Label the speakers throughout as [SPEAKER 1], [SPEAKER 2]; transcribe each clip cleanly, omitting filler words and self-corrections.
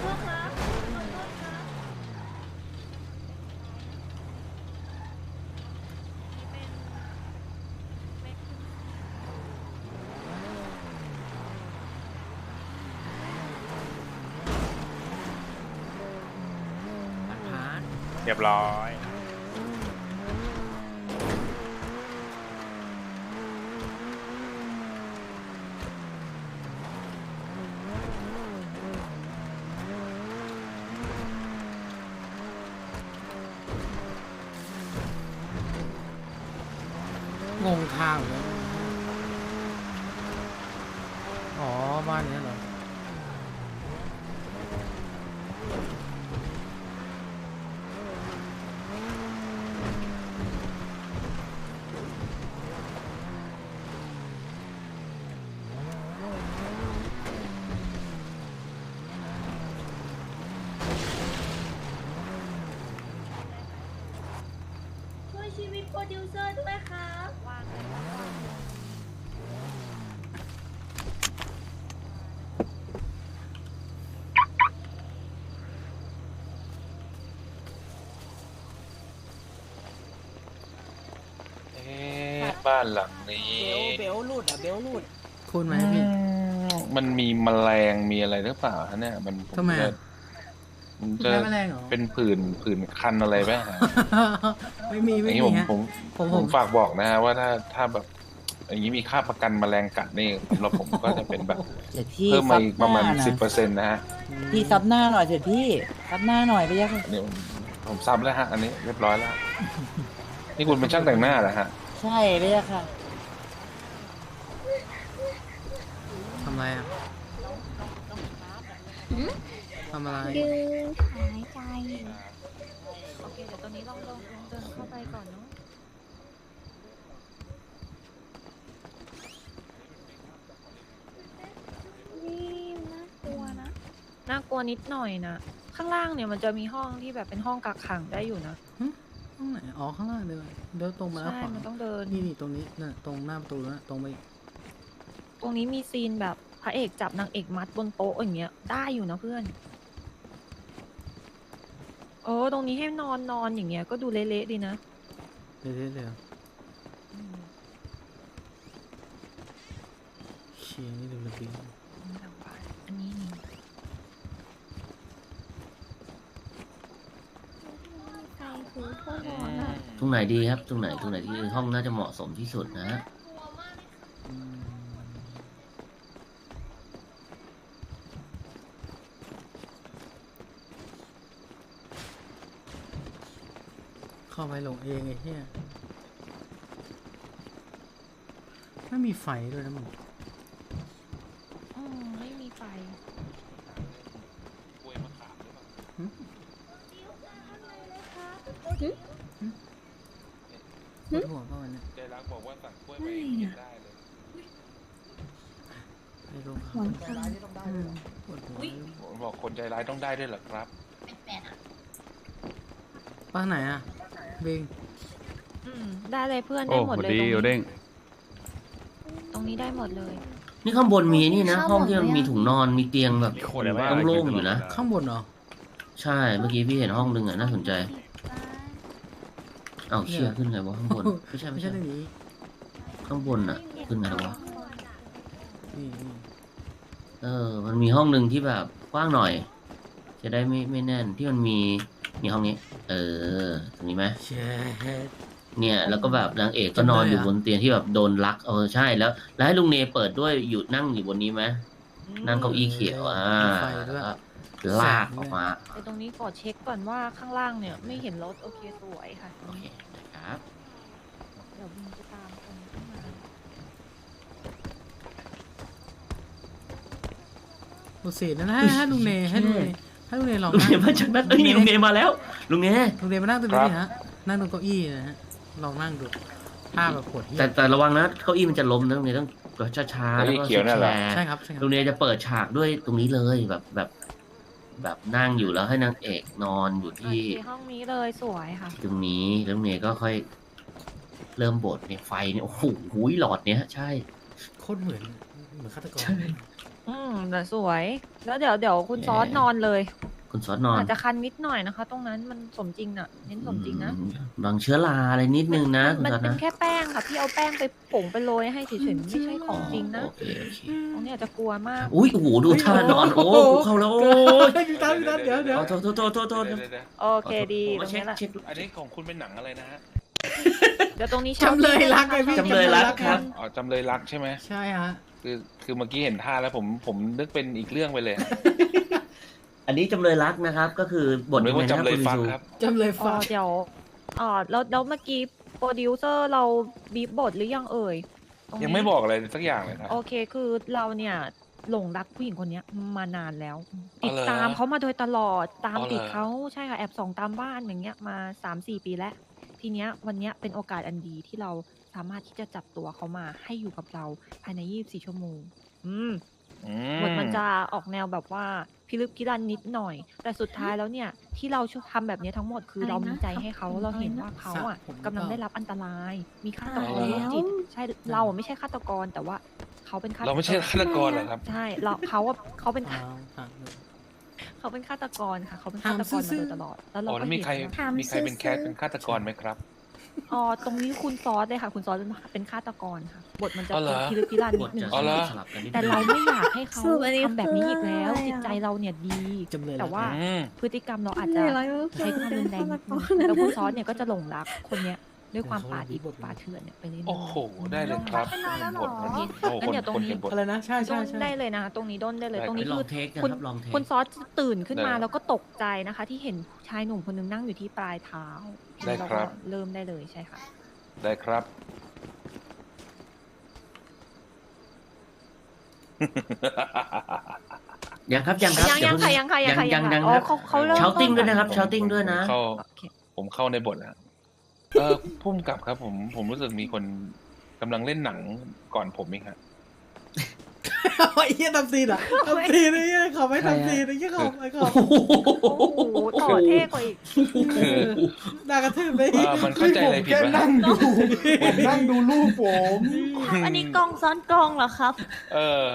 [SPEAKER 1] ษครับขอโทษครับ
[SPEAKER 2] เรียบร้อย
[SPEAKER 3] งงทางเลยอ๋อบ้านเนี้ยเหรอ
[SPEAKER 1] ช่วยชีวิตโปรดิวเซอร์ด้วยครับวางเลย
[SPEAKER 4] บ้านหลังนี้
[SPEAKER 5] เบลหลุดอ่ะเบลหลุด
[SPEAKER 3] คุณไหมพี่
[SPEAKER 4] มันมีแมลงมีอะไรหรือเปล่าฮะเนี่ยมัน
[SPEAKER 3] ทำไมอะ
[SPEAKER 4] มัน
[SPEAKER 3] คุณ
[SPEAKER 4] จะ
[SPEAKER 3] แพ้แมลงเหรอ
[SPEAKER 4] เป็นผื่นคันอะไรไหมฮะ
[SPEAKER 3] ไม่มี
[SPEAKER 4] อ
[SPEAKER 3] ไม่
[SPEAKER 4] ย่างนี้
[SPEAKER 3] มีฮะ
[SPEAKER 4] ผมฝากบอกนะฮะว่าถ้าแบบ อย่างนี้มีค่าประกันแมลงกัดนี่สำหรับผมก็จะเป็นแบบ
[SPEAKER 5] เสร็จพี่
[SPEAKER 4] เพิ่มมาอีกประมาณ
[SPEAKER 5] ซับหน้
[SPEAKER 4] 10%นะฮะ
[SPEAKER 5] พี่ซับหน้าหน่อยเสร็จพี่ซับหน้าหน่อยไปยัง
[SPEAKER 4] อันนี้ผมซับแล้วฮะ อันนี้เรียบร้อยแล้ว นี่คุณเป็นช่างแต่งหน้าเหรอฮะ
[SPEAKER 5] ใช่ไปยังค่ะ
[SPEAKER 3] ทำอะไรอ่ะทำอะไร
[SPEAKER 1] ยืนหายใจ
[SPEAKER 6] โอเคเดี๋ยวตอนนี้ลองเดินเข้าไปก่อนเนาะ
[SPEAKER 1] นี่น่ากลัวนะ
[SPEAKER 6] น่ากลัวนิดหน่อยนะข้างล่างเนี่ยมันจะมีห้องที่แบบเป็นห้องกักขังได้อยู่นะ
[SPEAKER 3] ตรงไหนอ๋อข้างล่างเดินเดินตรงมาแล้ว
[SPEAKER 6] ใช่
[SPEAKER 3] ขวา
[SPEAKER 6] มันต้องเดิน
[SPEAKER 3] นี่ตรงนี้น่ะตรงหน้าประตูนะตรงไปอีก
[SPEAKER 6] ตรงนี้มีซีนแบบพระเอกจับนางเอกมัดบนโต๊ะอย่างเงี้ยได้อยู่นะเพื่อนตรงนี้ให้นอนอย่างเงี้ยก็ดูเละๆดีนะ
[SPEAKER 3] เรื่อยๆเลยเหรอ
[SPEAKER 6] อืม
[SPEAKER 3] เชียร์นี่ดูระเบียง
[SPEAKER 6] หลังบ้านอันนี้นี่
[SPEAKER 1] ใครคือพ่อหมอนะ
[SPEAKER 7] ตรงไหนดีครับตรงไหนที่ห้องน่าจะเหมาะสมที่สุดนะฮะ
[SPEAKER 3] อืมเข้าไปหลงเองไอ้เหี้ยไม่มีไฟด้วยนะมึง
[SPEAKER 6] ไม่มีไฟ
[SPEAKER 4] กล้วยมะขามหรือเปล่า
[SPEAKER 3] ปวดหัวเปล่าวันเนี้ย
[SPEAKER 4] ใจรักบอกว่าสั่งกล้วยไปกินได้เลย
[SPEAKER 3] ไอ้โรค
[SPEAKER 1] หวังทาง
[SPEAKER 3] ปวดหัว
[SPEAKER 4] ผมบอกคนใจร้ายต้องได้ด้วยเหรอครับ
[SPEAKER 3] ป้าไหนอ่ะเบง
[SPEAKER 6] ได้เลยเพื่อน
[SPEAKER 2] โอ้
[SPEAKER 6] ได้หมด
[SPEAKER 2] สวัส
[SPEAKER 6] เลย
[SPEAKER 2] ดี
[SPEAKER 6] ตรง
[SPEAKER 2] โอเด้
[SPEAKER 6] นี้
[SPEAKER 2] ง
[SPEAKER 6] ตรงนี้ได้หมดเลย
[SPEAKER 7] นี่ข้างบนมีนี่นะห้องที่มันมีถุงนอนมีเตียงแบบ
[SPEAKER 2] คนเลยว่า
[SPEAKER 7] โล่งๆอยู่นะ
[SPEAKER 3] ข้างบนเหรอ
[SPEAKER 7] ใช่เมื่อกี้พี่เห็นห้องนึงอ่ะน่าสนใจเอ้าเชี่ยขึ้นไงวะข้างบนไม่ใช่
[SPEAKER 3] ไม่
[SPEAKER 7] ไม่
[SPEAKER 3] ใช่
[SPEAKER 7] ใช่
[SPEAKER 3] เรื่องนี้
[SPEAKER 7] ข้างบนอ่ะขึ้นไงวะ
[SPEAKER 3] นี่
[SPEAKER 7] มันมีห้องหนึ่งที่แบบกว้างหน่อย จะได้ไม่แน่นที่มันมีห้องนี้ ตรงนี้ไหม
[SPEAKER 3] เช็ด
[SPEAKER 7] เนี่ยแล้วก็แบบนางเอกก็นอนอยู่บนเตียงที่แบบโดนลักใช่แล้วให้ลุงเนเปิดด้วยอยู่นั่งอยู่บนนี้ไหมนั่งเก้าอี้เขียวแล้วก็ลากออกมา
[SPEAKER 6] แต่ตรงนี้ขอเช็คก่อนว่าข้างล่างเนี่ยไม่เห็นรถโอเคสวยค่ะ
[SPEAKER 7] โอเคนะครับ
[SPEAKER 6] เดี๋ยวบินจะตามคนขึ้นมา
[SPEAKER 3] ดูสินั่นให้ลุงเนให้ลุงเนให้ลุงเนลอง
[SPEAKER 7] ลุง
[SPEAKER 3] นั่ง
[SPEAKER 7] เนมาจากนั้นนี่ลุงเนมาแล้วลุงเน
[SPEAKER 3] ลุงเนมานั่งตรงนี้ดิฮะนั่งตรงเก้าอี้นะฮะลองนั่งดูภาพแบบปวดเหี้ย
[SPEAKER 7] แต่ระวังนะเก้าอี้มันจะล้มนะลุงเนต้องช้าๆแล้วก็
[SPEAKER 4] เขียวนั่นเหรอ
[SPEAKER 7] แชร์
[SPEAKER 3] ใช่ครับใช่ครับ
[SPEAKER 7] ลุงเนจะเปิดฉากด้วยตรงนี้เลยแบบนั่งอยู่แล้วให้นางเอกนอนอยู่
[SPEAKER 6] โอ
[SPEAKER 7] ที่
[SPEAKER 6] เคห้องนี้เลยสวยค่ะ
[SPEAKER 7] ตรงนี้แล้วลุงเนก็ค่อยเริ่มบทเนี่ยไฟเนี่ยโอ้โหหลอดเนี้ยใช่
[SPEAKER 3] โคตรเหมือนฆาตกร
[SPEAKER 7] ใช่
[SPEAKER 6] แต่สวย แล้วเดี๋ยวคุณซอสนอนเลย
[SPEAKER 7] คุณซอสนอน
[SPEAKER 6] อาจจะคันนิดหน่อยนะคะ ตรงนั้นมันสมจริงน่ะเน้นสมจริงนะ
[SPEAKER 7] บางเชื้อราอะไรนิดนึงนะคุณ
[SPEAKER 6] มัน
[SPEAKER 7] ซอส
[SPEAKER 6] เป็น
[SPEAKER 7] นะ
[SPEAKER 6] แค่แป้งค่ะพี่เอาแป้งไปผงไปโรยให้เฉยๆไม่ใช่ของจริงนะ
[SPEAKER 7] โอเคโอเค
[SPEAKER 6] ตรงนี้อาจจะกลัวมาก
[SPEAKER 7] อุ้ยโอ้โหดูท่านอนโอ้กูเข้าแล้วโอ้ย
[SPEAKER 3] พี่ตันเดี๋ยว
[SPEAKER 7] โทษโทษโทษโทษโทษ
[SPEAKER 4] เดี๋ยว
[SPEAKER 6] โอเคดี
[SPEAKER 7] ผม
[SPEAKER 6] ตร
[SPEAKER 7] มาง เช็ค
[SPEAKER 6] นี้แหละ
[SPEAKER 7] เช็ค
[SPEAKER 4] อันนี้ของคุณเป็นหนังอะไรนะฮะ
[SPEAKER 6] เดี๋ยวตรงนี้
[SPEAKER 3] จำเลยรักไงพี่
[SPEAKER 7] จำเลยรักครับ
[SPEAKER 4] อ๋อจำเลยรักใช่ไหม
[SPEAKER 3] ใช่ฮะ
[SPEAKER 4] คือเมื่อกี้เห็นท่าแล้วผมนึกเป็นอีกเรื่องไปเลย
[SPEAKER 7] อันนี้จำเลยรักนะครับ ก็คือบท
[SPEAKER 4] นึกว่า
[SPEAKER 7] ยังไงนะ
[SPEAKER 4] จำเลย
[SPEAKER 7] คุณ
[SPEAKER 4] ฟัง
[SPEAKER 7] วิ
[SPEAKER 4] ค
[SPEAKER 7] ชู
[SPEAKER 4] รับ
[SPEAKER 3] จำเลยฟ้า
[SPEAKER 6] เดี๋ยวแล้วเมื่อกี้โปรดิวเซอร์เราบีบบทหรือยังเอ่ยตรนี้
[SPEAKER 4] ยังไม่บอกอะไรสักอย่างเลยครับ
[SPEAKER 6] โอเคคือเราเนี่ยหลงรักผู้หญิงคนเนี้ยมานานแล้ว
[SPEAKER 4] อ๋
[SPEAKER 6] ติ
[SPEAKER 4] อ
[SPEAKER 6] ด
[SPEAKER 4] เหรอ
[SPEAKER 6] ตามเขามาโดยตลอดตาม
[SPEAKER 4] อ๋อเหรอ
[SPEAKER 6] ติดเขาใช่ค่ะแอบส่องตามบ้านอย่างเงี้ยมา 3-4 ปีแล้ว ทีเนี้ยวันเนี้ยเป็นโอกาสอันดีที่เราสามารถที่จะจับตัวเขามาให้อยู่กับเราภายใน 24 ชั่วโมง บทมันจะออกแนวแบบว่าพิลึกพิลั่นนิดหน่อย แต่สุดท้ายแล้วเนี่ยที่เราทำแบบนี้ทั้งหมดคือเรามีใจให้เขาเราเห็นว่าเขาอ่ะกำลังได้รับอันตราย มีฆาตกรโรคจิตใช่เราไม่ใช่ฆาตกรแต่ว่าเขาเป็นฆาตกร
[SPEAKER 4] เราไม่ใช่ฆาตกรเหรอครับ
[SPEAKER 6] ใช่เขาเป็น
[SPEAKER 3] อ้าวถามดู
[SPEAKER 6] เขาเป็นฆาตกรค่ะเขาเป็นฆาตกรมาโดยตลอดแล้วเรา
[SPEAKER 4] อ๋อ
[SPEAKER 6] ก็
[SPEAKER 4] แล้วมี
[SPEAKER 6] เห็น
[SPEAKER 4] ใคร
[SPEAKER 6] ว่า
[SPEAKER 4] มีใครเป็นแคสเป็นฆาตกรไหมครับ
[SPEAKER 6] อ๋อตรงนี้คุณซอสเลยค่ะ คุณซอสเป็นฆาตกรค่ะ บทมันจะ
[SPEAKER 4] อ๋อเหรอ
[SPEAKER 6] พิลึกพิลั่น
[SPEAKER 7] บ
[SPEAKER 6] นิ
[SPEAKER 7] ท
[SPEAKER 6] ดนึ
[SPEAKER 7] จะ
[SPEAKER 6] ง
[SPEAKER 4] อ๋อเหรอ
[SPEAKER 7] สลับกันนิดนึง
[SPEAKER 6] แต่เราไม่อยากให้เขา
[SPEAKER 1] สรุปอันนี้
[SPEAKER 6] ทำแบบนี้อีกแล้ว
[SPEAKER 1] คืออะไร
[SPEAKER 6] จิตใจเราเนี่ยดี
[SPEAKER 3] จำเลยรัก
[SPEAKER 6] แต่ว่า
[SPEAKER 4] อืม
[SPEAKER 6] พฤติกรรมเราอาจจะใช้ความรุนแรงนิดนึงแล้วคุณซอสเนี่ยก็จะหลงรักคนเนี้ยด้วยความป่าดิบป่าเถื่อนเนี่ยไปเรื่อยๆ
[SPEAKER 4] โอ้โห ได้เลยครับ
[SPEAKER 6] เป็นนานแล้วเหรอ
[SPEAKER 4] บทมันโอ้โห
[SPEAKER 6] งั้นเดี๋ยวตรง
[SPEAKER 4] คน
[SPEAKER 6] นี้
[SPEAKER 4] เขียนบท
[SPEAKER 3] อะไรนะ ใช่
[SPEAKER 6] ด้
[SPEAKER 3] ใช่
[SPEAKER 6] น
[SPEAKER 3] ใช่
[SPEAKER 6] ได้เลยนะตรงนี้ด้นได้เลย ตรง
[SPEAKER 7] ไป
[SPEAKER 6] นี้
[SPEAKER 7] ลอ
[SPEAKER 6] คื
[SPEAKER 7] ง
[SPEAKER 6] อ
[SPEAKER 7] เทคนะ
[SPEAKER 6] คุณ
[SPEAKER 7] ครับลองเทค
[SPEAKER 6] คุณซอสตื่นขึ้นมา
[SPEAKER 4] ได้
[SPEAKER 6] แล้วก็ตกใจนะคะ ที่เห็นชายหนุ่มคนนึงนั่งอยู่ที่ปลายเท้า
[SPEAKER 4] ได้ครับ
[SPEAKER 6] แล้วก็เริ่มได้เลยใช่ค่ะ
[SPEAKER 4] ได้ครับ
[SPEAKER 7] ยังครับยังครับ
[SPEAKER 6] ยังค่ะ
[SPEAKER 7] เดี๋ว
[SPEAKER 6] ยังค่ะยังค่ะ
[SPEAKER 7] ยัง
[SPEAKER 6] ค่ะ
[SPEAKER 7] ยัง
[SPEAKER 6] อ๋อ
[SPEAKER 7] ครับ
[SPEAKER 6] เขาเริ่ม
[SPEAKER 7] เชาติ้ง
[SPEAKER 6] ต้น
[SPEAKER 7] ด้วยนะครับเชาติ้งด้วยนะ
[SPEAKER 4] ผมเข้าในบทแล้วพุ่มกับครับผมรู้สึกมีคนกำลังเล่นหนังก่อนผมเองครับ
[SPEAKER 3] ไอ้เหี้ยทำซีนอ่ะทำซีนไอ้เหี้ยเขาไม่ทำซีนไอ้เหี้ยเขาไอ้เขา
[SPEAKER 6] โอ้โหต่อเท่กว่าอีก
[SPEAKER 4] คือ
[SPEAKER 3] ด่ากระทืบไป
[SPEAKER 4] มันเข้าใจอะไรผิด
[SPEAKER 2] แค่
[SPEAKER 4] วะ
[SPEAKER 2] นั่งดูผมนั่งดูรูปผม
[SPEAKER 1] อันนี้กล้องซ้อนกล้องเหรอครับ
[SPEAKER 4] เออ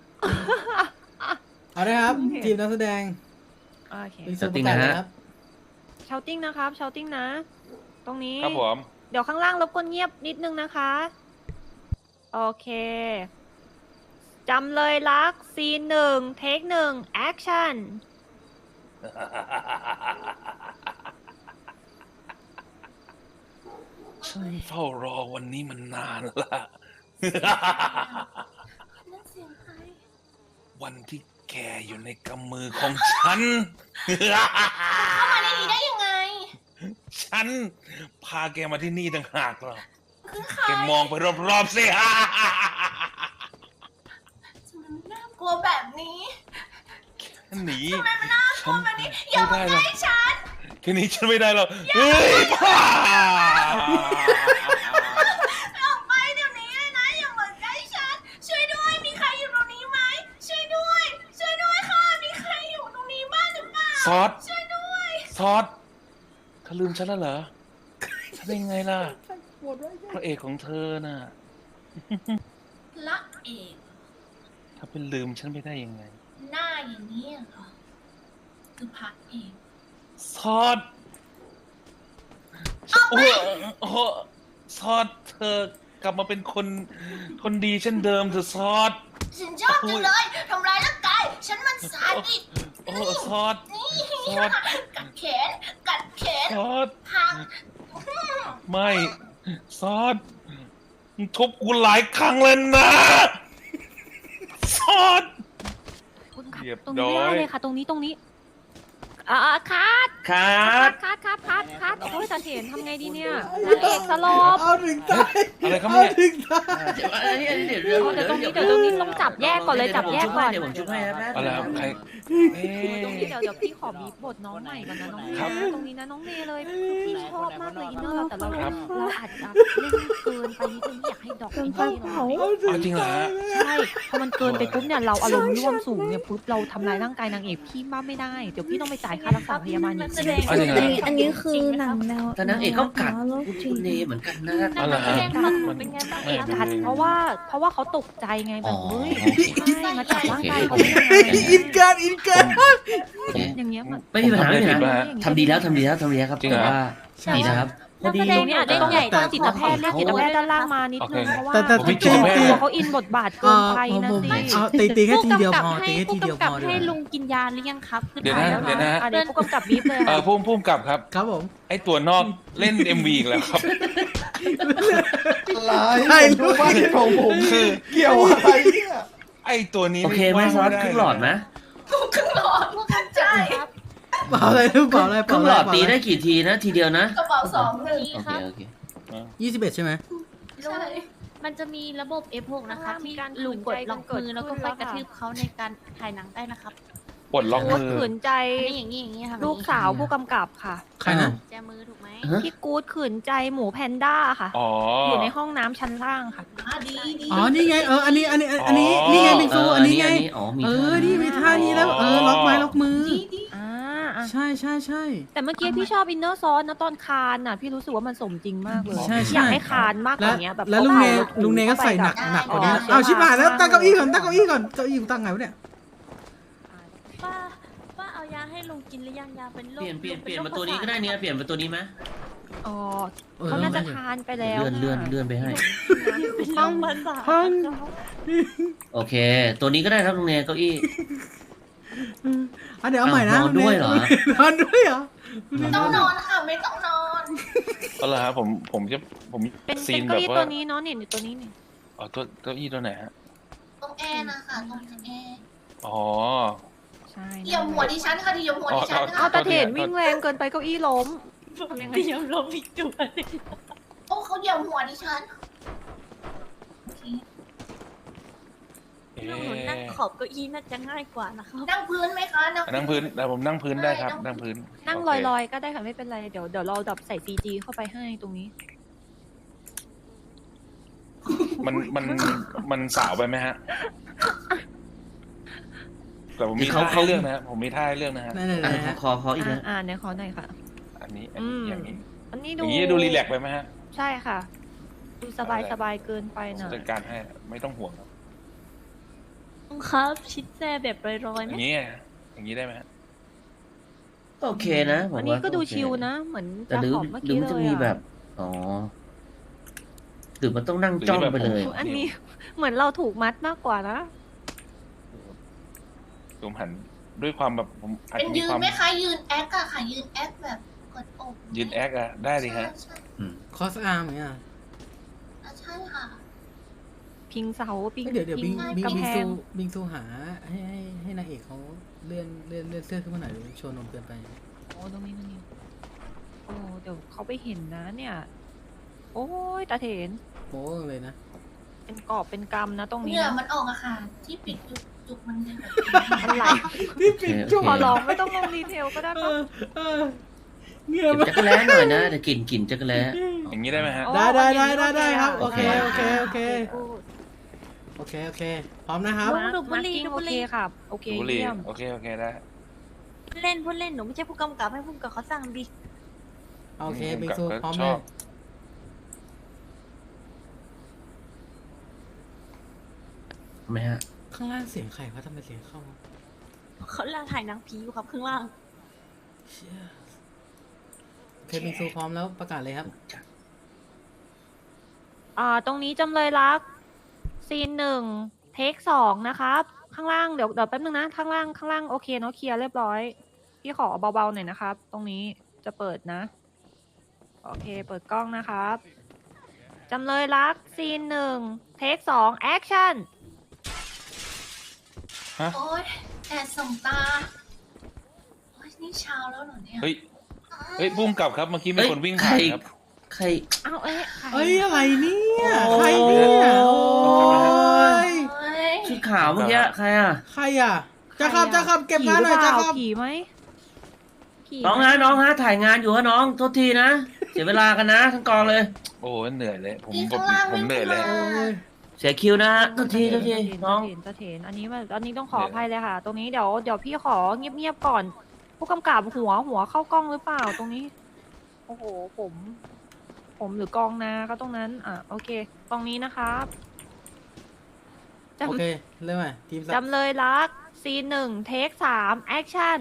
[SPEAKER 3] เอาเลยครับ ทีมนักแสดง
[SPEAKER 6] โอเค
[SPEAKER 3] เป็นส่วนประกอบนะครับ
[SPEAKER 6] เชาติ้งนะครับเชาติ้งนะ ตรงนี้
[SPEAKER 4] ครับผม
[SPEAKER 6] เดี๋ยวข้างล่างรบกวนเงียบนิดนึงนะคะ โอเคจำเลยรักซีนหนึ่งเทคหนึ่งแอคชั่น
[SPEAKER 4] ฉันเฝ้ารอวันนี้มันนานละ
[SPEAKER 1] นั่นเสียงใคร
[SPEAKER 4] วันที่แกอยู่ในกำมือของฉัน
[SPEAKER 1] เข้ามาในนี้ได้ยังไง
[SPEAKER 4] ฉันพาแกมาที่นี่ต่างหากหรอก
[SPEAKER 1] คือใคร
[SPEAKER 4] แกมองไปรอบๆสิ
[SPEAKER 1] ทำไมมันน่ากลัวแบบนี้
[SPEAKER 4] หนี
[SPEAKER 1] ทำไมมันน่ากลัวแบบนี้ อย่า
[SPEAKER 4] ไม่
[SPEAKER 1] มา
[SPEAKER 4] ได้หร
[SPEAKER 1] ใก
[SPEAKER 4] อก
[SPEAKER 1] ล้ฉัน
[SPEAKER 4] แค่นี้ฉันไม่ได้หรอกเฮ้ยพ่า
[SPEAKER 1] ออกไปเดี๋ยวนี้เลยนะ อย่ามาใกล้ฉัน ช่วยด้วย มีใครอยู่ตรงนี้ไหม ช่วยด้วย ช่วยด้วยค่ะ มีใครอยู่ตรงนี้บ้างหรือเปล่า
[SPEAKER 4] ซอส
[SPEAKER 1] ช่วยด้วย
[SPEAKER 4] ซอสเธอลืมฉันแล้วเหรอฉันเป็นไงล่ะ พระเอกของเธอน่ะ
[SPEAKER 1] พระเอก
[SPEAKER 4] ถ้าเป็นลืมฉันไปได้ยังไง
[SPEAKER 1] หน้าอย่างนี้เหรอ คือพระเอก
[SPEAKER 4] ซอสโอ้โหโอ้โหซอสเธอกลับมาเป็นคนดีเช่นเดิมเธอะซอส
[SPEAKER 1] ฉันชอบจังเลยทำร้ายร่างกาย ฉันมันสาดิส
[SPEAKER 4] โอ้ซอส
[SPEAKER 1] นี่
[SPEAKER 4] ซอส
[SPEAKER 1] กัดแขน กัดแขน
[SPEAKER 4] ซอส
[SPEAKER 1] หัก
[SPEAKER 4] ไม่ซอสมึงทุบกูหลายครั้งเลยนะซอส
[SPEAKER 6] คุณครับ
[SPEAKER 4] เรียบ
[SPEAKER 6] ตรงนี้
[SPEAKER 4] ร้อย
[SPEAKER 6] ได้เลยค่ะ ตรงนี้คัด
[SPEAKER 7] ครับ
[SPEAKER 6] คัดโอ้ยจะเห็นทำไงดีเนี่ยนางเอกสลบ
[SPEAKER 3] เอาถึงตาย
[SPEAKER 4] อะไรครับ
[SPEAKER 3] เอา
[SPEAKER 4] เนี่ย
[SPEAKER 3] ถึงตาย
[SPEAKER 7] เดี๋ยวอันนี้เดี๋ยว
[SPEAKER 6] เดี๋ยวตรงนี้ต้องจับแยกก่อนเลยจับแยกก่อน
[SPEAKER 7] เดี๋ยวผมชุบให้ครับแป๊บ
[SPEAKER 4] อะไรครับใครเอ๊
[SPEAKER 6] ตรงนี้
[SPEAKER 4] ะ
[SPEAKER 6] เดี๋ยวพี่ขอบีบบทน้องใหม่ก่อนนะน้องเมย์
[SPEAKER 4] ครับ
[SPEAKER 6] นะตรงนี้นะน้องเมย์เลยคือพี่ชอบมากเลยอินเนอร์เราแต่เรา
[SPEAKER 4] ครับ
[SPEAKER 6] อาจจะเล่นเกินไปนิดนึงอยากให้ดอกอินเนอร์เรา
[SPEAKER 3] เอาถึ
[SPEAKER 4] เอาจริงเหรอฮะ
[SPEAKER 6] ใช่พอมันเกินไปปุ๊บเนี่ยเราอารมณ์ร่วมสูงเนี่ยปุ๊บเราทำลายร่างกายนางเอกพี่บ้าไม่ได้เดี๋ยวพี่ต้องไปจ่ายค่ารักษาพยาบาลอีก
[SPEAKER 1] นักแสดงอันนี้คือ
[SPEAKER 6] หนังแนว
[SPEAKER 7] แต่นางเอกก็กัด
[SPEAKER 6] โรคจิ
[SPEAKER 7] คุ
[SPEAKER 6] ต
[SPEAKER 7] ณเนเหมือนกันนะ
[SPEAKER 4] เอาเหรอฮะ
[SPEAKER 6] เป็นไงบ้าง
[SPEAKER 4] ไม่
[SPEAKER 6] กัดเพราะว่าเขาตกใจไงแบบเฮ้ย
[SPEAKER 7] อ๋อ
[SPEAKER 6] ใช่มาจับร่างกายเขา
[SPEAKER 7] โอเค
[SPEAKER 6] ได้ยังไง
[SPEAKER 3] อินเกินอินเกิน
[SPEAKER 7] โอเค
[SPEAKER 6] อย่างเงี้ยมัน
[SPEAKER 7] ไม่มีปัญหาไม่มีปัญ
[SPEAKER 4] ผมทำได้ผิดปะ
[SPEAKER 7] หา
[SPEAKER 4] ฮะ
[SPEAKER 7] ทำดีแล้วครับ
[SPEAKER 4] จริงเหรอ
[SPEAKER 7] แต่ว่าดีนะครับพอดี
[SPEAKER 6] ตรงนี้อาจจะต้องต้องจิตแพทย์เรียกจิตแพทย์ด้านล่างมานิดนึงเพราะว่า
[SPEAKER 3] แต่
[SPEAKER 4] ผมไม่จิตแพทย์
[SPEAKER 6] เขาอินบทบาทเกินไปนะสิ
[SPEAKER 3] เอาตีแค่ทีเดียวพอตีแค่ทีเดียวพอ
[SPEAKER 8] ให้ลุงกินยาหรือยังครับคือ
[SPEAKER 4] เดี๋ยวนะ
[SPEAKER 8] ถ่ายแล้ว
[SPEAKER 4] เดี๋ยวนะฮะ
[SPEAKER 6] เดี๋ยวผู้กำกับบีบเลยค่ะ
[SPEAKER 4] พุ่มกับครับ
[SPEAKER 3] ครับผม
[SPEAKER 4] ไอตัวนอกเล่น MV อีกแล้วครับ
[SPEAKER 2] อะไรผมดูบ้านของผม
[SPEAKER 4] คือ
[SPEAKER 2] เกี่ยวอะไรเนี่ย
[SPEAKER 4] ไอตัวนี้
[SPEAKER 7] โอเคไหมซอสครึ่งหลอดไหม
[SPEAKER 1] ใช่
[SPEAKER 3] เปล่าอะไรเปล่าอะไร
[SPEAKER 7] ครึ่งหลอดตีได้กี่ทีนะทีเดียวนะ
[SPEAKER 1] กระเป๋า2 1
[SPEAKER 7] โอเคโอเค
[SPEAKER 3] 21ใช่ไหม
[SPEAKER 1] ใช่
[SPEAKER 8] มันจะมีระบบ F6 นะคะที่ลุงกดล็อกมือแล้วก็ไปกระทืบเขาในการถ่ายหนังได้นะครับ
[SPEAKER 4] ปลดล็อก
[SPEAKER 6] กู๊ด
[SPEAKER 4] มือ
[SPEAKER 6] ขืนใจ
[SPEAKER 8] อย่างนี้ค่ะ
[SPEAKER 6] ลูกสาวผู้กำกับค่ะ
[SPEAKER 3] ใครนะ
[SPEAKER 8] แจมือถูกไหม
[SPEAKER 7] ฮะ
[SPEAKER 6] พี่กู๊ดขืนใจหมูแพนด้าค่ะ
[SPEAKER 4] อ๋อ
[SPEAKER 6] อ
[SPEAKER 4] อยู่
[SPEAKER 6] ในห้องน้ำชั้นล่างค่ะ
[SPEAKER 1] ดี
[SPEAKER 3] อ๋อนี่ไงอันนี้นี่ไงบิงซูอันนี้ไง
[SPEAKER 7] อ๋อมี
[SPEAKER 3] นี่มีท่านี้แล้วล็อกไม้ล็อกมือ
[SPEAKER 6] อ่า
[SPEAKER 3] ใช่ใช่ใช่
[SPEAKER 6] แต่เมื่อกี้พี่ชอบอินเนอร์ซอนนะตอนคานน่ะ พี่รู้สึกว่ามันสมจริงมากเลย
[SPEAKER 3] ใช่ใช่
[SPEAKER 6] อยากให้คานมากกว่านี้แบบ
[SPEAKER 3] แล้วลุงเนก็ใส่หนักกว่านี้เอาชิบหายแล้วตั้งเก้าอี้ก่อนเก้าอี้อยู่ตั้งไงวะเนี่ย
[SPEAKER 8] ป้าเอายาให้ลุงกินหรือยังยาเป็นโรค
[SPEAKER 7] เปลี่ยนมาตัวนี้ก็ได้เนี่ยเปลี่ยนมาตัวนี้ไหม
[SPEAKER 6] อ๋อเขาน่าจะทานไปแล้ว
[SPEAKER 7] เลื่อนไปให้
[SPEAKER 8] ห้องภาษา
[SPEAKER 7] โอเค ตัวนี้ก็ได้ครับลุงเนเก้าอี้
[SPEAKER 3] เดี๋ยวเอาใหม่นะ
[SPEAKER 7] นอนด้วยเหรอ
[SPEAKER 3] นอนด้วยเหรอ
[SPEAKER 1] ไม่ต้องนอนค่ะไม่ต้องนอน
[SPEAKER 4] เอาละครับผมจะผม
[SPEAKER 6] เป็น
[SPEAKER 4] ซีน
[SPEAKER 6] เก้า
[SPEAKER 4] แบบ
[SPEAKER 6] อี้
[SPEAKER 4] ว่า
[SPEAKER 6] ตัวนี้เนาะเนี่ยตัวนี้นี่
[SPEAKER 4] อ๋อตัวเก้าอี้ตัวไหนฮะ
[SPEAKER 1] ตรงแอร์นะคะตรงแอร์
[SPEAKER 4] อ๋อ
[SPEAKER 6] ใช่
[SPEAKER 1] เหยียบหัวดิฉันค่ะเหยียบหัวดิฉัน
[SPEAKER 6] เอา
[SPEAKER 1] ค่ะ
[SPEAKER 6] ตาเถนวิ่งแรงเกินไปเก้าอี้ล้ม
[SPEAKER 8] เดี๋ยวลมอีกจุด
[SPEAKER 1] โอ้เขาเหยียบหัวดิฉันโอเค
[SPEAKER 4] เอ๊
[SPEAKER 8] ลุงหนูนั่งขอบเก้าอี้น่าจะง่ายกว่านะครับ
[SPEAKER 1] นั่งพื้นไหมคะ
[SPEAKER 4] นั่งพื้นแต่ผมนั่งพื้นได้ครับ นั่งพื้น
[SPEAKER 6] นั่ง
[SPEAKER 4] โเค
[SPEAKER 6] ลอยๆก็ได้ค่ะไม่เป็นไรเดี๋ยวเราดับใส่ CG เข้าไปให้ตรงนี้
[SPEAKER 4] มันสาวไปไหมฮะ แต่ผมมี
[SPEAKER 7] เขา
[SPEAKER 4] ท่าให้เรื่องนะฮะผมมีท่าให้เรื่องนะฮะ
[SPEAKER 3] นั่น
[SPEAKER 7] อ่ะ
[SPEAKER 3] ๆฮะ
[SPEAKER 7] ขออีกนะ
[SPEAKER 6] เนี่ยขอหน่อยค่ะ
[SPEAKER 4] อันนี้
[SPEAKER 6] อืม
[SPEAKER 4] อย่างนี้
[SPEAKER 6] อันนี้
[SPEAKER 4] อ
[SPEAKER 6] ดู
[SPEAKER 4] ย่างนี้ดูรีแลกซ์ไปไหมฮะ
[SPEAKER 6] ใช่ค่ะ ดูสบายเกินไปหน่อย
[SPEAKER 4] จัดการให้ไม่ต้องห่วงครับ
[SPEAKER 8] ลุงครับชิดแซ่แบบลอยๆ
[SPEAKER 4] อ
[SPEAKER 8] ไหม
[SPEAKER 4] ย่างนี้ไงอย่างนี้ได้ไหมฮะ
[SPEAKER 7] โอเคนะผมว่า
[SPEAKER 6] อันนี้ก็ดู
[SPEAKER 7] โอเค
[SPEAKER 6] ชิลนะ เหมือน
[SPEAKER 7] แต่
[SPEAKER 6] จะ
[SPEAKER 7] หรือ
[SPEAKER 6] ขอบเมื่อ
[SPEAKER 7] หรือ
[SPEAKER 6] กี้
[SPEAKER 7] มัน
[SPEAKER 6] เล
[SPEAKER 7] จะ
[SPEAKER 6] ย
[SPEAKER 7] มีแบ
[SPEAKER 6] อะ
[SPEAKER 7] บอ๋อหรือมันต้องนั่งจ้องไปเลย
[SPEAKER 6] อันนี้เหมือนเราถูกมัดมากกว่านะ
[SPEAKER 4] ผมหันด้วยความแบบผมอาจ
[SPEAKER 1] เป็น
[SPEAKER 4] จะมี
[SPEAKER 1] ยืน
[SPEAKER 4] ความ
[SPEAKER 1] ไหมคะยืนแอคอะค่ะยืนแอคแบบกดอก
[SPEAKER 4] ยืนแอคอะได้ดิฮะ
[SPEAKER 1] ใช่
[SPEAKER 3] คอสอาร์มเนี่ย
[SPEAKER 1] ใช่ค่ะ
[SPEAKER 6] พิงเสาพิง
[SPEAKER 3] เดี๋ยวบิง
[SPEAKER 6] กำแพง
[SPEAKER 3] ซูหาให้นางเอกเขาเลื่อนเสื้อขึ้นมาหน่อยโชว์นมเกินไป
[SPEAKER 6] โอ้ตรงนี้โอ้เดี๋ยวเขาไปเห็นนะเนี่ย โอ้ยตาเถน
[SPEAKER 3] โม้เลยนะ
[SPEAKER 6] เป็นกอบเป็นกำนะตรงนี้
[SPEAKER 1] เหงื่อ
[SPEAKER 6] นะ
[SPEAKER 1] มันออกอะค่ะ ที่ปิดจุกมันจะแบบ
[SPEAKER 6] มันไหล
[SPEAKER 3] ที่ปิดจุก
[SPEAKER 6] ขอร้องไม่ต้องลงดีเทลก็ได้ปะ
[SPEAKER 3] เงื่อ
[SPEAKER 7] เก็บจักรแล้หน่อยนะเดี๋ยวกลิ่นจักรแล้
[SPEAKER 4] อย่างนี้ได้ไหมฮะ
[SPEAKER 3] ได้ครับ โอเค พร้อมนะครับ
[SPEAKER 6] มาร์กิ้งโอเคครับ โอเค
[SPEAKER 4] บุหรี่
[SPEAKER 6] เยี่ยม
[SPEAKER 4] โอเคได้
[SPEAKER 8] พูดเล่นหนูไม่ใช่ผู้กำกับให้ผู้กำกับเขาสั่งดิ
[SPEAKER 3] โอเคบิงซูพร้อม
[SPEAKER 4] ช
[SPEAKER 3] เล
[SPEAKER 4] อย บ
[SPEAKER 7] ทำไมฮะ
[SPEAKER 3] ข้างล่างเสียงใครวะทำไมเสียงเข้า
[SPEAKER 8] เขาล่าถ่ายหนังผีอยู่ครับข้างล่าง
[SPEAKER 3] เชี่ยโอเคบิงซูพร้อมแล้วประกาศเลยครับ
[SPEAKER 6] ตรงนี้จำเลยรักซีน1 เทค 2นะครับ ข้างล่างเดี๋ยวแป๊บนึงนะ ข้างล่างโอเคเนาะเคลียร์เรียบร้อย พี่ขอเบาๆหน่อยนะครับ ตรงนี้จะเปิดนะ โอเค เปิดกล้องนะครับจำเลยรักซีน1 เทค 2 แอคชั่น
[SPEAKER 1] โอ๊ยแดดส่องตาโอ๊ยนี่เช้าแล้วเหรอเนี่ย
[SPEAKER 4] เฮ้ยพุ่มกลับครับเมื่อกี้มีคนวิ่งผ่านครับ
[SPEAKER 7] ใคร
[SPEAKER 6] เอาใคร
[SPEAKER 3] เอ้ยอะไรเนี่ย
[SPEAKER 4] โอ้
[SPEAKER 3] ใครเนี่ยโอ้ย
[SPEAKER 1] โอ๊ย
[SPEAKER 7] ชุดขาวเมื่อกี้ใครอ่ะ
[SPEAKER 3] ใครอ่ะจะขับเก็บงานหน่อยจะขับ
[SPEAKER 6] ผีไหมผีไหม
[SPEAKER 7] น้องฮะถ่ายงานอยู่ฮะน้องโทษทีนะ เสียเวลากันนะทั้งกองเลย
[SPEAKER 4] โอ้เหนื่อยเลยผม
[SPEAKER 1] นี่ข้างล่าง
[SPEAKER 4] ผมเหนื่อยเลย
[SPEAKER 1] วิ่งขึ้นมา
[SPEAKER 7] เสียคิวนะฮะโทษทีน้อง
[SPEAKER 6] ตาเถนอันนี้ต้องขออภัยเลยค่ะ ตรงนี้เดี๋ยวพี่ขอเงียบๆก่อน ผู้กำกับหัวเข้ากล้องหรือเปล่าตรงนี้โอ้โหผมหรือกองนาก็ตรงนั้นโอเคตรงนี้นะครับจ
[SPEAKER 3] โอเคเริ่มใหม่ทีม
[SPEAKER 6] ำจำเลยรักซีน1เทค3แอคชั่น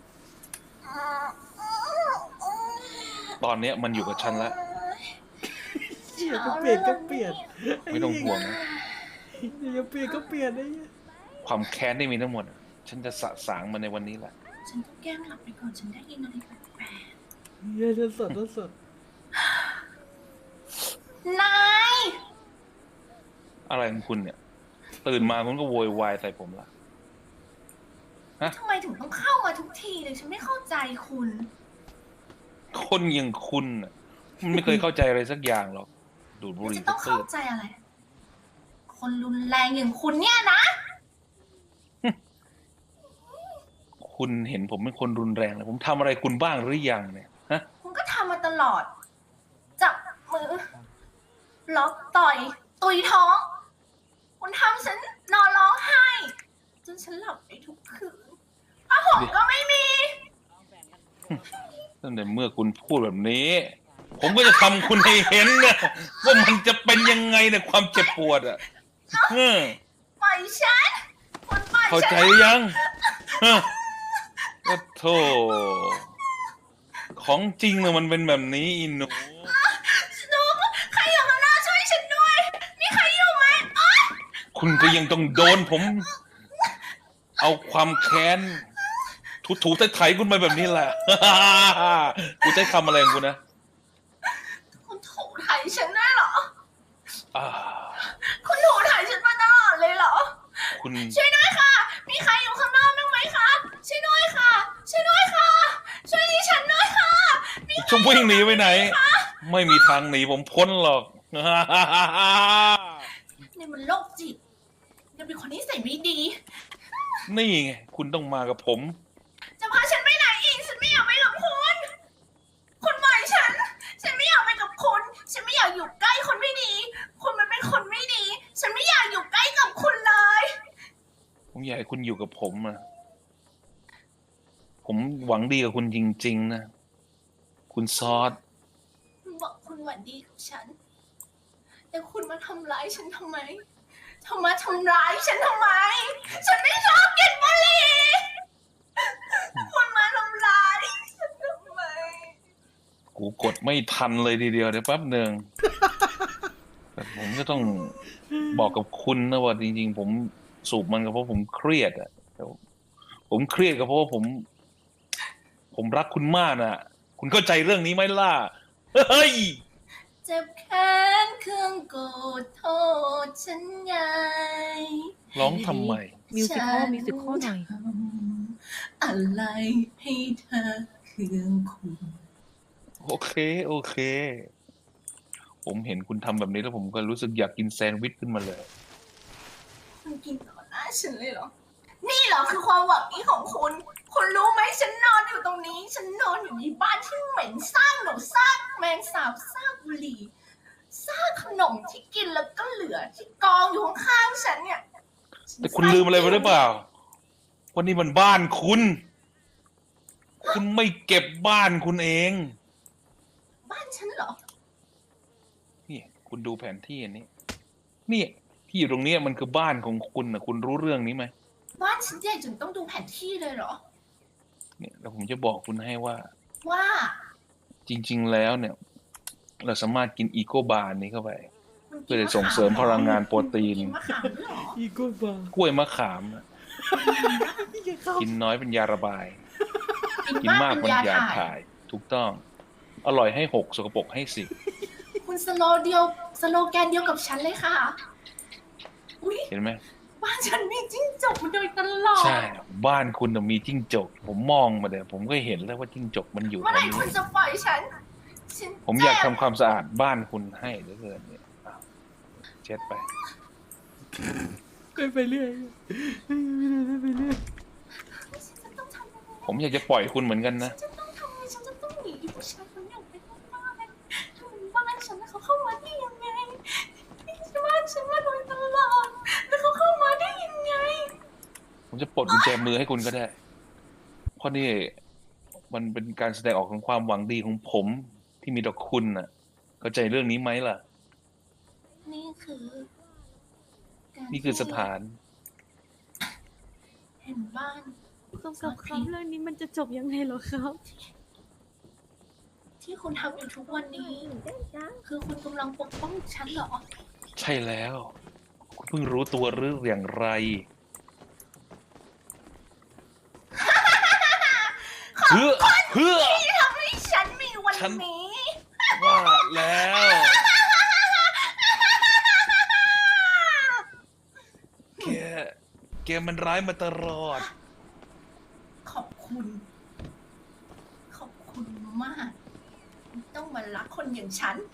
[SPEAKER 4] ตอนเนี้ยมันอยู่กับฉันแล้ว
[SPEAKER 3] เหี้ยก็เปลี่ยนก็เปลี่ยน
[SPEAKER 4] ไม่ต้องห่วงนะ
[SPEAKER 3] อย่าเปลี่ยนก็เปลี่ยนไอ้เหี้ย
[SPEAKER 4] ความแค้นที่มีทั้งหมดอะฉันจะสะสางมันในวันนี้แหละ
[SPEAKER 1] ฉันต้องแกล้งหลับไปก่อนฉันได้ยินอะไรแปลก
[SPEAKER 3] เหี้ยจะสดจะสด
[SPEAKER 1] ๆนาย
[SPEAKER 4] อะไรของคุณเนี่ย ตื่นมาคุณก็โวยวายใส่ผมละ
[SPEAKER 1] ทำไมถึงต้องเข้ามาทุกทีเลยฉันไม่เข้าใจคุณ
[SPEAKER 4] คนอย่างคุณน่ะมันไม่เคยเข้าใจอะไรสักอย่างหรอก ดูดบุหรี่
[SPEAKER 1] จะต้อง
[SPEAKER 4] ตื้
[SPEAKER 1] เข้า
[SPEAKER 4] อ
[SPEAKER 1] ใจอะไร คนรุนแรงอย่างคุณเนี่ยนะ
[SPEAKER 4] ๆคุณเห็นผมเป็นคนรุนแรงเลยผมทำอะไรคุณบ้างหรือยังเนี่ยฮะ
[SPEAKER 1] คุณก็ทำมาตลอด จับมือ ล็อกต่อย ตุยท้อง คุณทำฉันนอนร้องไห้ จนฉันหลับไปทุกคืนผ้าห่มก็ไม่มี
[SPEAKER 4] ตั้งแต่เมื่อคุณพูดแบบนี้ ผมก็จะทำคุณให้เห็นนะว่ามันจะเป็นยังไงในความเจ็บปวดอ่ะเออ
[SPEAKER 1] ปล่อยฉัน คุณปล่อย
[SPEAKER 4] เข้า
[SPEAKER 1] ฉั
[SPEAKER 4] ใจ
[SPEAKER 1] น
[SPEAKER 4] หรือยังฮะโอ้โธ่ของจริงเลยมันเป็นแบบนี้อินหนู
[SPEAKER 1] หนูใครอยู่ข้างหน้าช่วยฉันด้วย มีใครอยู่ไหมอ๊ะ
[SPEAKER 4] คุณก็ยังต้องโดนผม เอาความแค้นถูๆไถๆคุณไปแบบนี้แหละ กูใช้คำอะไรของกูนะ
[SPEAKER 1] คุณถูถ่ายฉันได้เหรอ
[SPEAKER 4] อ่า
[SPEAKER 1] คุณถูถ่ายฉันมาตลอดเลยเหรอ
[SPEAKER 4] คุณ
[SPEAKER 1] ช่วยด้วยค่ะ มีใครอยู่ข้างนอกบ้างไหมคะ ช่วยด้วยค่ะ ช่วยด้วยค่ะ ช่วยดิฉันด้วยค่ะ
[SPEAKER 4] จะวิ่งหนีไปไหน ไม่มีทางหนีผมพ้นหรอก
[SPEAKER 1] นี่มันโรคจิตยังเป็นคนที่ใส่ไม่ดี
[SPEAKER 4] นี่ไงคุณต้องมากับผม
[SPEAKER 1] จะพาฉันไปไหนอีก ฉันไม่อยากไปกับคุณ คุณปล่อยฉัน ฉันไม่อยากไปกับคุณ ฉันไม่อยากอยู่ใกล้คนไม่ดี คุณมันเป็นคนไม่ดี ฉันไม่อยากอยู่ใกล้กับคุณเลย
[SPEAKER 4] ผมอยากให้คุณอยู่กับผมนะผมหวังดีกับคุณจริง ๆ นะ คุณซอส
[SPEAKER 1] คุณบอกคุณหวังดีกับฉัน แต่คุณมาทำร้ายฉันทำไมมาทำร้ายฉันทำไม ฉันไม่ชอบกินบุหรี่คุณมาทำร้ายฉันทำไม
[SPEAKER 4] กูกดไม่ทันเลยทีเดียวเดี๋ยวแป๊บหนึ่งแต่ผมจะต้องบอกกับคุณนะว่าจริงๆผมสูบมันก็เพราะผมเครียดอ่ะแต่ผมเครียดก็เพราะว่าผมรักคุณมากนะคุณเข้าใจเรื่องนี้ไหมล่ะ เฮ้ย
[SPEAKER 1] เจ็บแค้นเครื่องโกรธโทษฉันไง
[SPEAKER 4] ร้องทำไม
[SPEAKER 6] มิวสิคอลหน่อย
[SPEAKER 1] ทำอะไรให้เธอเครื่องคุณ
[SPEAKER 4] โอเค ผมเห็นคุณทำแบบนี้แล้วผมก็รู้สึกอยากกินแซนด์วิชขึ้นมาเลย
[SPEAKER 1] คุณกินต่อหน้าฉันเลยเหรอ นี่เหรอคือความหวังนี้ของคุณ คุณรู้ไหมฉันนอนอยู่ตรงนี้ ฉันนอนอยู่ในบ้านที่เหม็นซากหนูซากแมงสาบซากบุหรี่ซากขนมที่กินแล้วก็เหลือที่กองอยู่ข้างๆฉันเนี่ย
[SPEAKER 4] แต่คุณลืมอะไรไปหรือเปล่าวันนี้มันบ้านคุณ คุณไม่เก็บบ้านคุณเอง
[SPEAKER 1] บ้านฉันเหรอ
[SPEAKER 4] นี่คุณดูแผนที่อันนี้เนี่ยที่อยู่ตรงเนี้ยมันคือบ้านของคุณนะคุณรู้เรื่องนี้ไหม
[SPEAKER 1] บ้านฉันใหญ่จนต้องดูแผนที่เลยเหรอ
[SPEAKER 4] เนี่ยแล้วผมจะบอกคุณให้ว่า
[SPEAKER 1] ว่า
[SPEAKER 4] จริง ๆ แล้วเนี่ย เราสามารถกินอีโกบาร์นี้เข้าไป
[SPEAKER 1] มัน
[SPEAKER 4] เพื่อจะส่งเสริมพลังงานโปรตีน
[SPEAKER 1] กินมะขามด้วยเหรอ
[SPEAKER 3] อีโก้บาร์
[SPEAKER 4] กล้วยมะขามนะกินน้อยเป็นยาระบาย กินมากเป็นยาถ่าย ถูกต้อง อร่อยให้6สกปรกให้10
[SPEAKER 1] คุณสโลแกนเดียวกับฉันเลยค่ะ อุ๊ย
[SPEAKER 4] เห็นไหม
[SPEAKER 1] บ้านฉันมีจิ้งจกมาโดยตลอด
[SPEAKER 4] ใช่ บ้านคุณน่ะมีจิ้งจก ผมมองมาเดี๋ยวผมก็เห็นแล้วว่าจิ้งจกมันอยู่ต
[SPEAKER 1] เมื่
[SPEAKER 4] ร
[SPEAKER 1] อง ไหร่
[SPEAKER 4] นี้
[SPEAKER 1] คุณจะปล่อยฉัน
[SPEAKER 4] ผมอยากทำความสะอาดบ้านคุณให้เหลือเกินเนี่ยอ้าวเช็ดไป
[SPEAKER 3] ไปเรื่อยไปเรื่อย
[SPEAKER 1] ฉันจะต้องทำยังไง
[SPEAKER 4] ผมอยากจะปล่อยคุณเหมือนกันนะ
[SPEAKER 1] ฉันจะต้องทำยังไงฉันจะต้องหนีผู้ชายคนนี้ออกไปนอกบ้านถ้ามันบ้านฉันแล้วเขาเข้ามาได้ยังไงนี่บ้านฉันมาโดยตลอด แล้วเขาเข้ามาได้ยังไง
[SPEAKER 4] ผมจะปลดกุญแจมือให้คุณก็ได้ เพราะนี่มันเป็นการแสดงออกของความหวังดีของผมที่มีต่อคุณน่ะ เข้าใจเรื่องนี้ไหมล่ะ
[SPEAKER 1] นี่คือการ
[SPEAKER 4] นี่คือสถาน
[SPEAKER 1] เห็นบ้าน
[SPEAKER 8] กำกับครับเรื่องนี้มันจะจบยังไงเหรอครับ
[SPEAKER 1] ที่คุณทำอยู่ทุกวันนี้ คือคุณกำลังปกป้องฉันเหรอ
[SPEAKER 4] ใช่แล้ว คุณเพิ่งรู้ตัวหรืออย่างไร เพื่อ
[SPEAKER 1] ที่ทำให้ฉันมีวัน
[SPEAKER 4] ฉัน
[SPEAKER 1] นี้
[SPEAKER 4] ว่าแล้ว แกมันร้ายมาตลอด
[SPEAKER 1] ขอบคุณ ขอบคุณมากที่ต้องมารักคนอย่างฉัน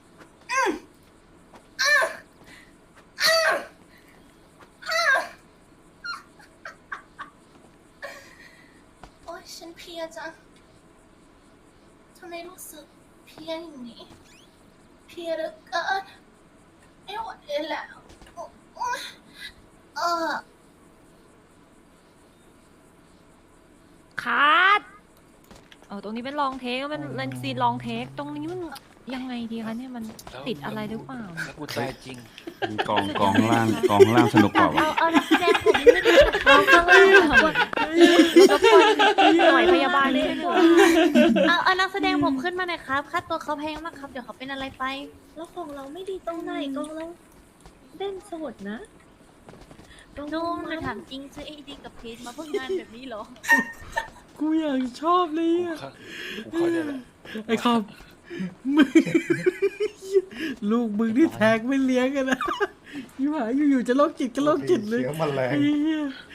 [SPEAKER 1] โอ๊ยฉันเพลียจังทำไมรู้สึกเพลียอย่างนี้ เพลียเหลือเกินไม่ไหวแล้วเออ
[SPEAKER 6] คัดตรงนี้เป็นลองเทคมันเป็นซีนลองเทค ตรงนี้มันยังไงดีคะเนี่ยมันติดอะไรหรือเปล่า
[SPEAKER 4] ถ้ากูตายจริง
[SPEAKER 2] กองล่างสนุกกว่าวะ
[SPEAKER 8] เอานักแสดงผมไม่ได้เอาข้างล่างก่อน
[SPEAKER 6] รบกวนหน่วยพยาบาลช่วยเหลือ
[SPEAKER 8] เอานักแสดงผมขึ้นมาหน่อยครับค่าตัวเขาแพงมากครับ เดี๋ยวเขาเป็นอะไรไป
[SPEAKER 9] แล้วของเราไม่ดีตรงไหนกองเราเล่นสดนะกอง
[SPEAKER 8] นุ่ม
[SPEAKER 9] มั
[SPEAKER 8] จะถามจริงซื้อADกับเพจมาเพื่องานแบบนี้เหรอ
[SPEAKER 3] กูอยากชอบเลย
[SPEAKER 4] กู
[SPEAKER 3] อ่ะ
[SPEAKER 4] เข้าใจแล้ว
[SPEAKER 3] ไอ้คอมมึง ลูกมึงที่แทงไม่เลี้ยงกันนะอยู่หาอยู่ๆจะโรคจิตก็โรคจิตเลย
[SPEAKER 2] เสียงมันแรง
[SPEAKER 3] ไอ้เหี้ย